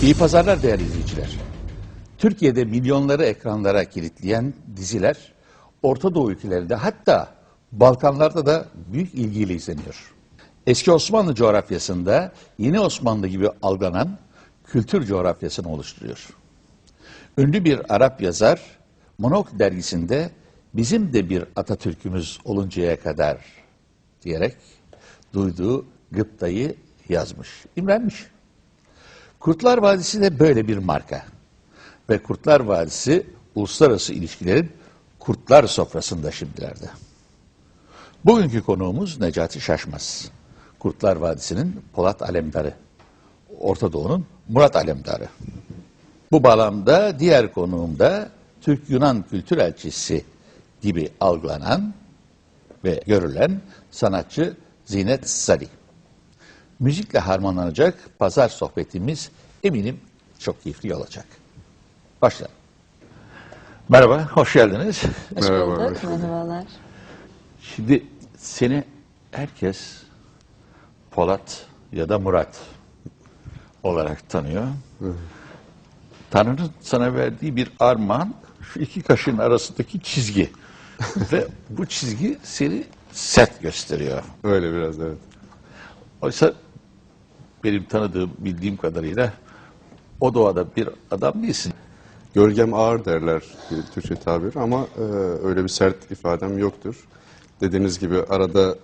İyi pazarlar değerli izleyiciler. Türkiye'de milyonları ekranlara kilitleyen diziler Orta Doğu ülkelerinde, hatta Balkanlarda da büyük ilgiyle izleniyor. Eski Osmanlı coğrafyasında Yeni Osmanlı gibi algılanan kültür coğrafyasını oluşturuyor. Ünlü bir Arap yazar Monok dergisinde "Bizim de bir Atatürk'ümüz oluncaya kadar" diyerek duyduğu gıptayı yazmış, imrenmiş. Kurtlar Vadisi de böyle bir marka. Ve Kurtlar Vadisi uluslararası ilişkilerin kurtlar sofrasında şimdilerde. Bugünkü konuğumuz Necati Şaşmaz. Kurtlar Vadisi'nin Polat Alemdarı. Orta Doğu'nun Murat Alemdarı. Bu bağlamda diğer konuğum da Türk-Yunan kültür elçisi gibi algılanan ve görülen sanatçı Zinet Salih. Müzikle harmanlanacak pazar sohbetimiz eminim çok keyifli olacak. Başlayalım. Merhaba, hoş geldiniz. Hoş bulduk, merhabalar. Şimdi seni herkes Polat ya da Murat olarak tanıyor. Tanrı'nın sana verdiği bir armağan, şu iki kaşın arasındaki çizgi. Ve bu çizgi seni sert gösteriyor. Öyle biraz, evet. Oysa benim tanıdığım, bildiğim kadarıyla o doğada bir adam değilsin. Gölgem ağır derler bir Türkçe tabir ama öyle bir sert ifadem yoktur. Dediğiniz gibi arada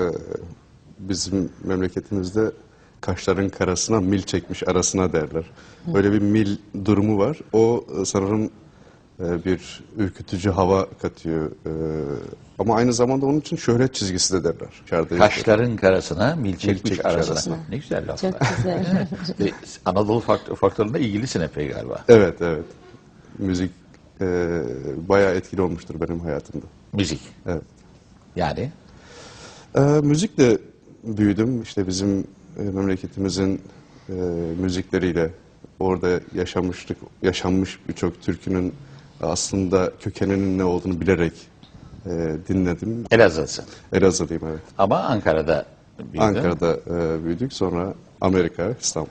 bizim memleketimizde kaşların karasına mil çekmiş arasına derler. Böyle bir mil durumu var. O sanırım bir ürkütücü hava katıyor. Ama aynı zamanda onun için şöhret çizgisi de derler. Kaşların karasına, mil çekmiş arasına. Ne güzel laflar. Çok güzel. Anadolu faktörüne ilgilisin epey galiba. Evet, evet. Müzik bayağı etkili olmuştur benim hayatımda. Müzik. Evet. Yani? Müzikle büyüdüm. İşte bizim memleketimizin müzikleriyle orada yaşanmış birçok türkünün aslında kökeninin ne olduğunu bilerek dinledim. Elazığ'sın. Elazığlıyım, evet. Ama Ankara'da büyüdün. Ankara'da büyüdük, sonra Amerika, İstanbul.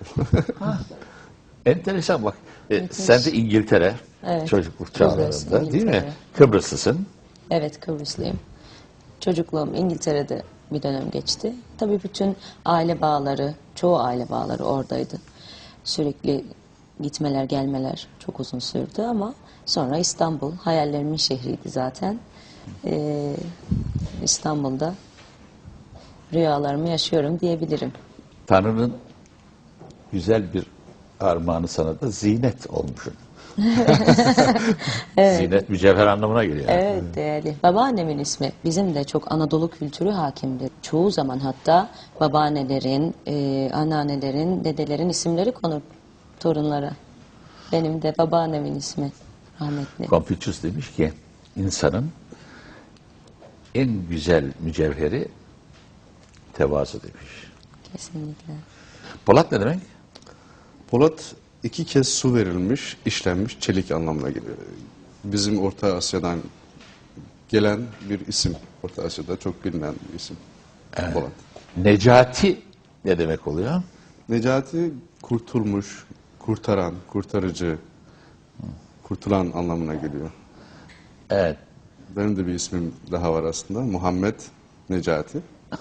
Enteresan bak. Sen de İngiltere, Evet. çocukluk Kıbrıs, çağlarında değil mi? İngiltere. Kıbrıslısın. Evet, Kıbrıslıyım. Çocukluğum İngiltere'de bir dönem geçti. Tabii bütün aile bağları, çoğu aile bağları oradaydı. Sürekli gitmeler, gelmeler çok uzun sürdü ama sonra İstanbul, hayallerimin şehriydi zaten. İstanbul'da rüyalarımı yaşıyorum diyebilirim. Tanrı'nın güzel bir armağanı sana da zinet olmuşsun. Evet. Zinet mücevher anlamına geliyor. Evet, değerli. Babaannemin ismi. Bizim de çok Anadolu kültürü hakimdir. Çoğu zaman hatta babaannelerin, anneannelerin, dedelerin isimleri konur torunlara. Benim de babaannemin ismi rahmetli. Confucius demiş ki insanın en güzel mücevheri tevazu demiş. Kesinlikle. Polat ne demek? Polat 2 kez su verilmiş, işlenmiş çelik anlamına geliyor. Bizim Orta Asya'dan gelen bir isim. Orta Asya'da çok bilinen bir isim. Evet. Polat. Necati ne demek oluyor? Necati kurtulmuş, kurtaran, kurtarıcı, kurtulan anlamına geliyor. Evet. Benim de bir ismim daha var aslında. Muhammed Necati.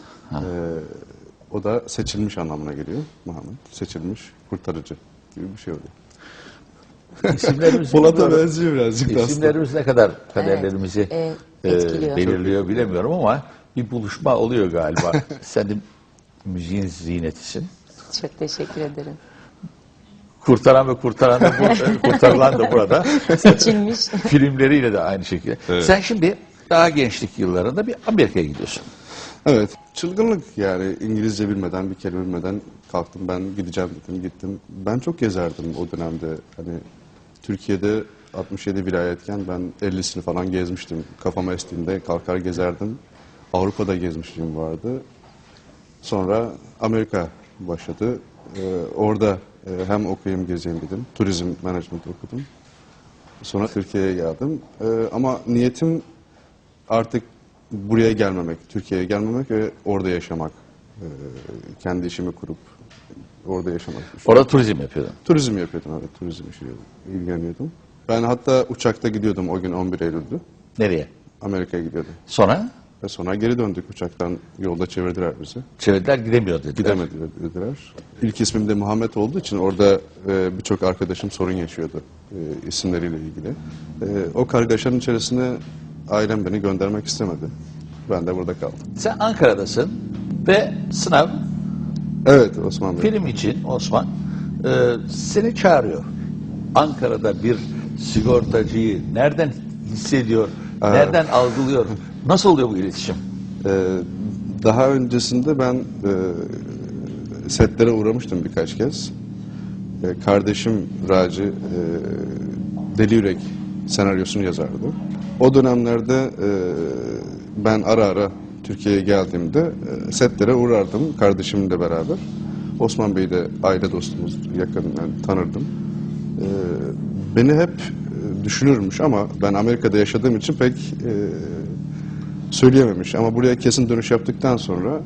O da seçilmiş anlamına geliyor. Muhammed, seçilmiş, kurtarıcı gibi bir şey oluyor. İsimlerimiz Polat'a benziyor birazcık da aslında. İsimlerimiz ne kadar kaderlerimizi etkiliyor. belirliyor bilemiyorum ama bir buluşma oluyor galiba. Sen de müziğin zinetisin. Çok teşekkür ederim. Kurtaran ve kurtarılan da burada. Seçilmiş. Filmleriyle de aynı şekilde. Evet. Sen şimdi daha gençlik yıllarında bir Amerika'ya gidiyorsun. Evet. Çılgınlık yani. İngilizce bilmeden, bir kelime bilmeden kalktım, ben gideceğim dedim, gittim. Ben çok gezerdim o dönemde. Hani Türkiye'de 67 vilayetken ben 50'sini falan gezmiştim. Kafama estiğinde kalkar gezerdim. Avrupa'da gezmişliğim vardı. Sonra Amerika başladı. Orada hem okuyayım gezeyim dedim. Turizm management okudum. Sonra Türkiye'ye geldim. Ama niyetim artık buraya gelmemek, Türkiye'ye gelmemek ve orada yaşamak. Kendi işimi kurup orada yaşamak düşünüyordum. Orada turizm yapıyordun. Turizm yapıyordum, evet, turizm işiyle ilgileniyordum. Ben hatta uçakta gidiyordum o gün 11 Eylül'dü. Nereye? Amerika'ya gidiyordum. Sonra Ve sonra geri döndük uçaktan, yolda çevirdiler bizi. çevrediler gidemiyor dediler. Gidemediler dediler. İlk ismim de Muhammed olduğu için orada birçok arkadaşım sorun yaşıyordu isimleriyle ilgili. O kargaşanın içerisine ailem beni göndermek istemedi. Ben de burada kaldım. Sen Ankara'dasın ve sınav Evet Osman Bey. film için Osman seni çağırıyor. Ankara'da bir sigortacıyı nereden hissediyor, nereden algılıyor? Nasıl oluyor bu iletişim? Daha öncesinde ben setlere uğramıştım birkaç kez. Kardeşim Raci Deli Yürek senaryosunu yazardı. O dönemlerde ben ara ara Türkiye'ye geldiğimde setlere uğrardım kardeşimle beraber. Osman Bey de aile dostumuz, yakından tanırdım. Beni hep düşünürmüş ama ben Amerika'da yaşadığım için pek söyleyememiş. Ama buraya kesin dönüş yaptıktan sonra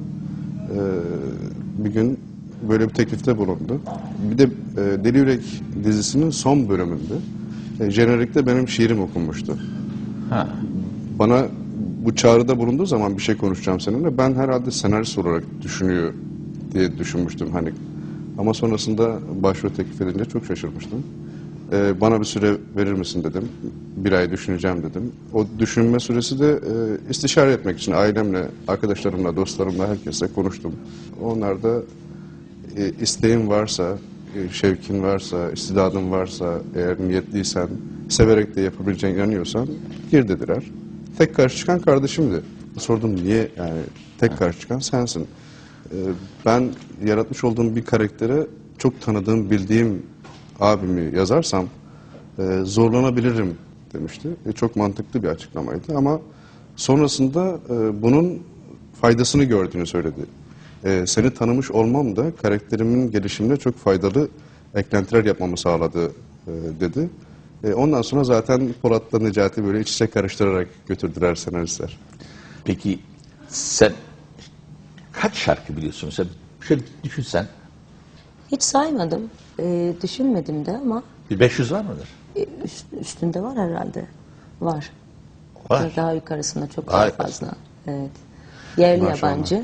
bir gün böyle bir teklifte bulundu. Bir de Deli Yürek dizisinin son bölümünde jenerikte benim şiirim okunmuştu. Ha. Bana bu çağrıda bulunduğu zaman bir şey konuşacağım seninle. Ben herhalde senarist olarak düşünüyor diye düşünmüştüm hani. Ama sonrasında başrol teklif edince çok şaşırmıştım. Bana bir süre verir misin dedim. Bir ay düşüneceğim dedim. O düşünme süresi de istişare etmek için ailemle, arkadaşlarımla, dostlarımla herkesle konuştum. Onlar da isteğin varsa, şevkin varsa, istidadın varsa, eğer niyetliysen, severek de yapabileceğine inanıyorsan gir dediler. Tek karşı çıkan kardeşimdi. Sordum niye yani tek karşı çıkan sensin. Ben yaratmış olduğum bir karaktere çok tanıdığım, bildiğim abimi yazarsam zorlanabilirim demişti. Çok mantıklı bir açıklamaydı ama sonrasında bunun faydasını gördüğünü söyledi. Seni tanımış olmam da karakterimin gelişimine çok faydalı eklentiler yapmamı sağladı dedi. Ondan sonra zaten Polat'la Necati böyle iç içe karıştırarak götürdüler senaristler. Peki sen kaç şarkı biliyorsun? Sen şöyle düşünsen Hiç saymadım. Düşünmedim de ama bir 500 var mıdır? üstünde var herhalde. Var. Var. Daha yukarısında çok Daha daha yukarısında. fazla. Evet. Yerli Maşallah. yabancı.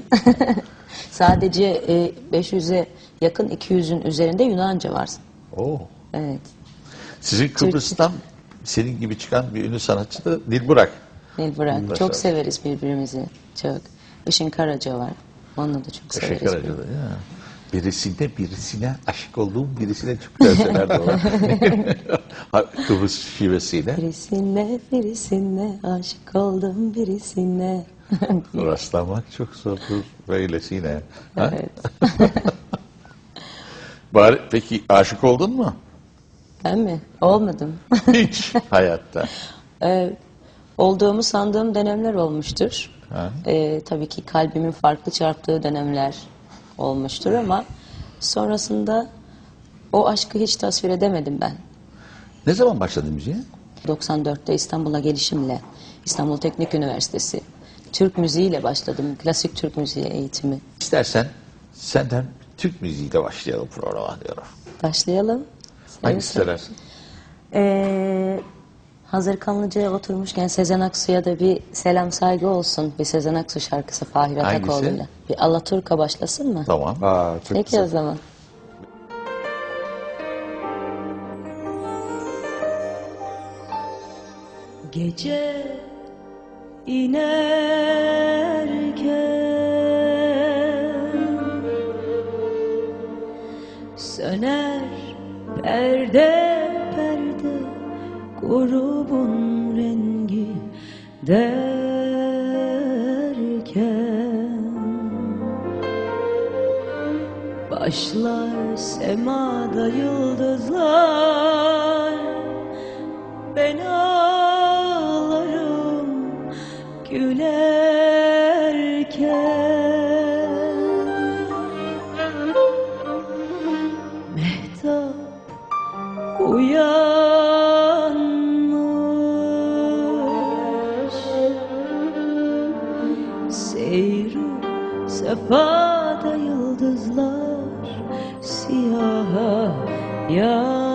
Sadece 500'e yakın 200'ün üzerinde Yunanca var. Oo. Evet. Sizin Kıbrıs'tan senin gibi çıkan bir ünlü sanatçı da Dilburak. Nilburak. Başarılı. Çok severiz birbirimizi. Çok. Işın Karaca var. Onunla da çok severiz. Teşekkür ederim. Ya. Birisine aşık olduğum birisine çok güzel söylerdi o. Kıbrıs şivesiyle. Birisine aşık oldum birisine. Rastlamak çok zordur böylesine. Ha? Evet. Bari, peki aşık oldun mu? Ben mi? Olmadım. Hiç hayatta. Olduğumu sandığım dönemler olmuştur. Ha. Tabii ki kalbimin farklı çarptığı dönemler olmuştur ama sonrasında o aşkı hiç tasvir edemedim ben. Ne zaman başladın müziğe? 94'te İstanbul'a gelişimle İstanbul Teknik Üniversitesi Türk müziğiyle başladım. Klasik Türk müziği eğitimi. İstersen senden Türk müziğiyle başlayalım programa diyorum. Başlayalım. Hangisi söylersin? Hazır Kanlıca'ya oturmuşken Sezen Aksu'ya da bir selam saygı olsun. Bir Sezen Aksu şarkısı Fahir Hangisi? Atakoğlu'yla. Bir Alaturka başlasın mı? Tamam. Çok Peki güzel. o zaman. Gece inerken söner perde perde grubun rengi derken başlar semada yıldızlar ben ağlarım gülerken mehtap uyanmış seyru sefada yıldızlar siyaha ya